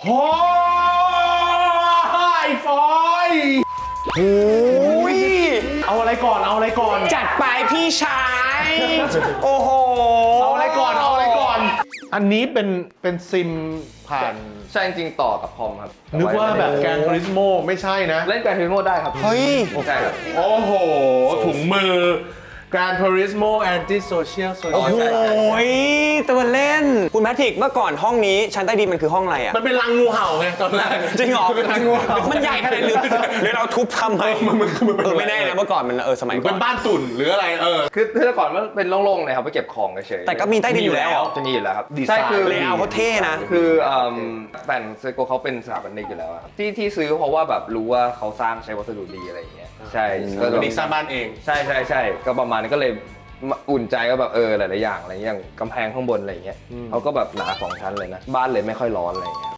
โอ้ยฟอยโอ้ยเอาอะไรก่อนเอาอะไรก่อนจัดไปพี่ชาย โอ้โหเอาอะไรก่อนเอาอะไรก่อน อันนี้เป็นซิมผ่านใช่จริงๆต่อกับคอมครับนึกว่าแบบแกนทริสโมไม่ใช่นะเล่นแกรนทูริสโมได้ครับเฮ้ยใช่ครับโอ้โห ถุงมือ Gran Turismo Anti Social โอ้โห Social ตัวเล่น คุณแพทริกเมื่อก่อนห้องนี้ชั้นใต้ดินมันคือห้องอะไรอ่ะมันเป็นรังงูเห่าไงตอนแรกจริงเหรอเป็นรังงูเห่ามันใหญ่ขนาดนี้หรือเราทุบทำไมมันเป็นไม่แน่นะเมื่อก่อนมันสมัยก่เป็อนนบ้านตุ่นหรืออะไรคือแต่ก่อนมันเป็นโล่งๆเลยครับไปเก็บของเฉยๆแต่ก็มีใต้ดินอยู่แล้วจะมีอยู่แล้วครับดีไซน์ใช่คือเลเยอร์เขาเท่นะคือแฟนเซโกเขาเป็นสถาปนิกอยู่แล้วอะที่ซื้อเพราะว่าแบบรู้ว่าเขาสร้างใช้วัสดุดีอะไรอย่างเงี้ยใช่ก็วันนี้สร้างบ้านเองใช่ก็ประมาณนี้ก็เลยอุ่นใจก็แบบหลายๆอย่างอะไรอย่างกำแพงข้างบนอะไรอย่างเงี้ยเขาก็แบบหนา2 ชั้นเลยนะบ้านเลยไม่ค่อยร้อนอะไรอย่างเงี้ย